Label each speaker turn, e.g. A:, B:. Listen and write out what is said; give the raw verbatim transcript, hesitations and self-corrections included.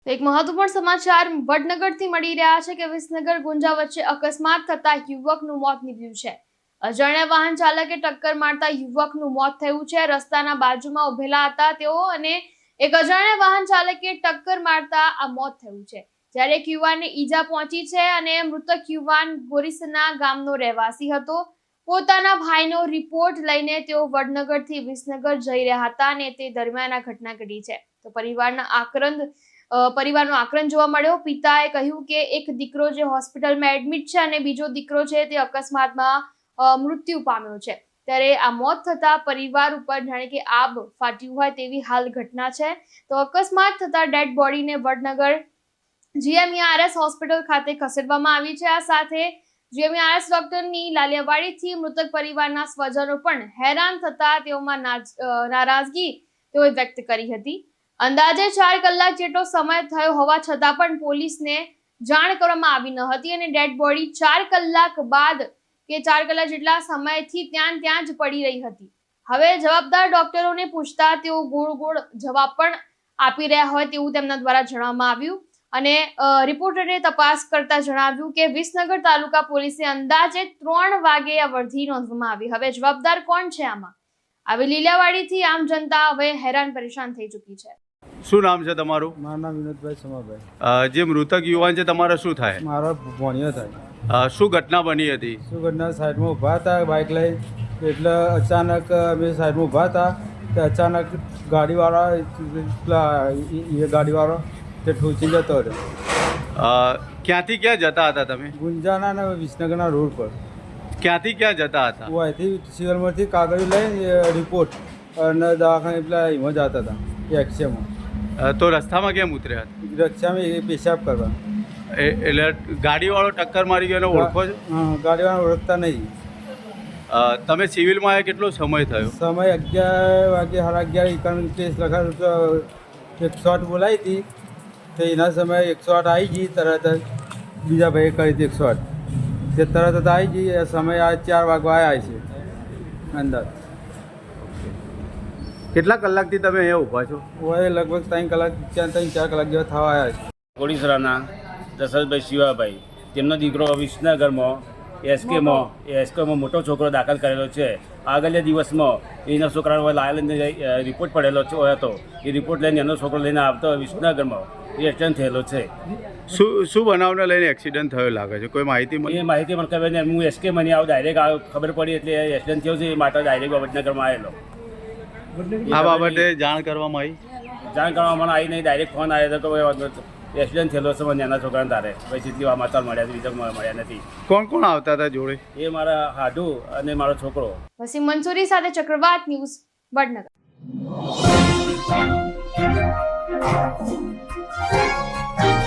A: એક મહત્વપૂર્ણ સમાચાર વડનગરથી મળી રહ્યા છે કે વિસનગર ગુંજા વચ્ચે અકસ્માત થતા યુવકનું મોત નીપજ્યું છે। અજાણ્યા વાહન ચાલકે ટક્કર મારતા યુવકનું મોત થયું છે। રસ્તાના બાજુમાં ઉભેલા હતા તેઓ અને એક અજાણ્યા વાહન ચાલકે ટક્કર મારતા આ મોત થયું છે। જ્યારે એક યુવાનને ઈજા પહોંચી છે અને મૃતક યુવાન ગોરીસના ગામનો રહેવાસી હતો। પોતાના ભાઈનો રિપોર્ટ લઈને તેઓ વડનગરથી વિસનગર જઈ રહ્યા હતા અને તે દરમિયાન આ ઘટના ઘટી છે। તો પરિવારના આક્રંદ પરિવારનો આક્રંદ જોવા મળ્યો। પિતાએ કહ્યું કે એક દીકરો જે હોસ્પિટલમાં એડમિટ છે અને બીજો દીકરો છે તે અકસ્માતમાં મૃત્યુ પામ્યો છે। ત્યારે આ મોત થતા પરિવાર ઉપર જાણે કે આબ ફાટ્યું હોય તેવી હાલ ઘટના છે। તો અકસ્માત થતા ડેડ બોડીને વડનગર જીએમઈઆરએસ હોસ્પિટલ ખાતે ખસેડવામાં આવી છે। આ સાથે જીએમઈઆરએસ ડોક્ટરની લાલિયાવાડીથી મૃતક પરિવારના સ્વજનો પણ હેરાન થતા તેઓમાં નારાજગી તેઓએ વ્યક્ત કરી હતી। અંદાજે ચાર કલાક જેટલો સમય થયો હોવા છતાં પણ પોલીસને જાણ કરવામાં આવી ન હતી અને ડેડ બોડી ચાર કલાક બાદ કે ચાર કલાક જેટલા સમયથી ત્યાં ત્યાં જ પડી રહી હતી। હવે જવાબદાર ડોક્ટરોને પૂછતા તેઓ ગોળ ગોળ જવાબ પણ આપી રહ્યા હોય તેવું તેમના દ્વારા જણાવવામાં આવ્યું અને રિપોર્ટરે તપાસ કરતા જણાવ્યું કે વિસનગર તાલુકા પોલીસે અંદાજે ત્રણ વાગે આ વર્ધી નોંધવામાં આવી। હવે જવાબદાર કોણ છે આમાં? આવી લીલાવાડીથી આમ જનતા હવે હેરાન પરેશાન થઈ ચૂકી છે।
B: શું નામ છે તમારું?
C: મારું નામ વિનોદભાઈ સમાભાઈ।
B: જે મૃતક યુવાન છે તમારા શું થાય?
C: મારો ભણ્યો થાય।
B: શું ઘટના બની હતી?
C: શું ઘટના? સાઈડમાં ઊભા હતા બાઇક લઈ, એટલે અચાનક અમે સાઈડમાં ઊભા હતા તો અચાનક ગાડીવાળા પેલા એ ગાડીવાળો તે ઠોચી જતો રહ્યો।
B: ક્યાંથી ક્યાં જતા હતા તમે?
C: ગુંજાના ને વિસનગરના રોડ પર।
B: ક્યાંથી ક્યાં જતા હતા?
C: હું અહીંથી સિવિલમાંથી કાગળ લઈને રિપોર્ટ અને દવાખાને પેલા એમાં જતા હતા એક્સેમાં।
B: તો રસ્તામાં કેમ ઉતર્યા હતા?
C: રસ્તામાં એ પેશાબ કરવા।
B: એટલે ગાડીવાળો ટક્કર મારી ગયો એને ઓળખો છો?
C: હા, ગાડીવાળા ઓળખતા નહીં।
B: તમે સિવિલમાં આવ્યા કેટલો સમય થયો?
C: સમય અગિયાર વાગે સાડા અગિયાર કારણ કેસ લખાયું તો એકસો આઠ બોલાવી હતી તો એના સમયે એકસો આઠ આવી ગઈ તરત જ। બીજા ભાઈએ કરી હતી એકસો આઠ તે તરત જ આવી ગઈ। એ સમય આ ચાર વાગવા આવ્યા છે અંદર।
B: કેટલા કલાકથી તમે અહીંયા ઊભા છો?
C: હોય લગભગ ત્રણ કલાક ચાર ત્રણ ચાર કલાક જેવા થવા આવ્યા છે।
D: કોડીસરાના દશરથભાઈ શિવાભાઈ, તેમનો દીકરો વિસનગરમાં એસકેમાં એસકેમાં મોટો છોકરો દાખલ કરેલો છે। આગળના દિવસમાં એના છોકરાનો લાયલને રિપોર્ટ પડેલો હતો। એ રિપોર્ટ લઈને એનો છોકરો લઈને આવતો વિસનગરમાં એક્સિડન્ટ થયેલો છે।
B: શું શું બનાવને લઈને એક્સિડન્ટ થયો લાગે છે? કોઈ માહિતી મળી?
D: એ માહિતી મને ખબર નહીં। હું એસકે મને આવું ડાયરેક્ટ ખબર પડી એટલે એક્સિડન્ટ થયો છે એ માટે ડાયરેક્ટ વડનગરમાં આવેલો।
B: આ બાબતે જાણ કરવામાં આવી?
D: જાણ કરવામાં મને આવી નહીં, ડાયરેક્ટ ફોન આવ્યો હતો કે એક્સિડન્ટ થયેલો છે મને એના છોકરાને તારે પછી જેટલી સમાચાર મળ્યા છે બીજા મળ્યા નથી।
B: કોણ કોણ આવતા હતા જોડે?
D: એ મારા હાડુ અને મારો છોકરો।
A: વસીમ મંસૂરી સાથે ચક્રવાત ન્યૂઝ વડનગર।
E: Thank you.